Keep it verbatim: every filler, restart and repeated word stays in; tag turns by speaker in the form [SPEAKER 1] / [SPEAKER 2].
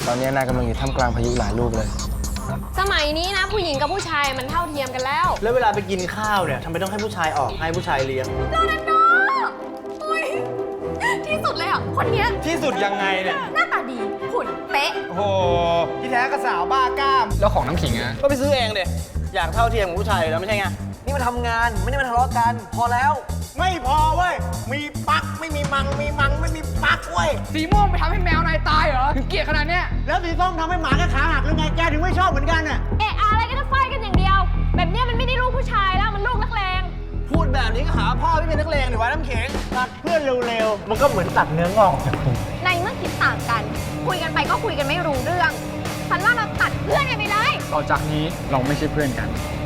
[SPEAKER 1] ตอนนี้นายกำลังอยู่ท่ามกลางพายุหลายลูกเลย
[SPEAKER 2] สมัยนี้นะผู้หญิงกับผู้ชายมันเท่าเทียมกันแล้ว
[SPEAKER 3] แล้วเวลาไปกินข้าวเนี่ยทำไมต้องให้ผู้ชายออกให้ผู้ชายเลี้ยง
[SPEAKER 2] โรนัลโดอุ้ยที่สุดเลยอ่ะ คนเนี้ย
[SPEAKER 3] ที่สุดยังไงเนี่ย
[SPEAKER 2] หน้าตาดีหุ่นเป๊ะ
[SPEAKER 3] โอ้โหที่แท้ก็สาวบ้ากล้าม
[SPEAKER 4] แล้วของน้ำขิงอะ
[SPEAKER 3] ก็ไปซื้อเองเด็อยากเท่าเทียมกับผู้ชายแล้วไม่ใช่ไง
[SPEAKER 5] นี่มาทำงานไม่ได้มาทะเลาะกัน พอแล้ว
[SPEAKER 3] ไม่พอเว้ย มีปักไม่มีมัง มีมังไม่มีปักเว้ย
[SPEAKER 4] สีม่วงไปทำให้แมวนายตายเหรอ ถึงเกลียดขนาดเนี้ย
[SPEAKER 3] แล้วสีส้มทำให้หมาแค่ขาหักหรือไง แกถึงไม่ชอบเหมือนกันน่ะ
[SPEAKER 2] เอะอะไรก็จะไฟกันอย่างเดียว แบบเนี้ยมันไม่ได้ลูกผู้ชายแล้วมันลูกนักเลง
[SPEAKER 3] พูดแบบนี้ก็หาพ่อไม่เป็นนักเลงหรือว่าน้ำเข็งตัดเพื่อนเร็วๆ มันก็เหมือนตัดเนื้องอกจากผม
[SPEAKER 2] ในเมื่อคิดต่างกัน คุยกันไปก็คุยกันไม่รู้เรื่อง ฉันว่าเราตัดเพื่อนกันไปเลย
[SPEAKER 4] ต่อจากนี้เราไม่ใช่เพื่อนกัน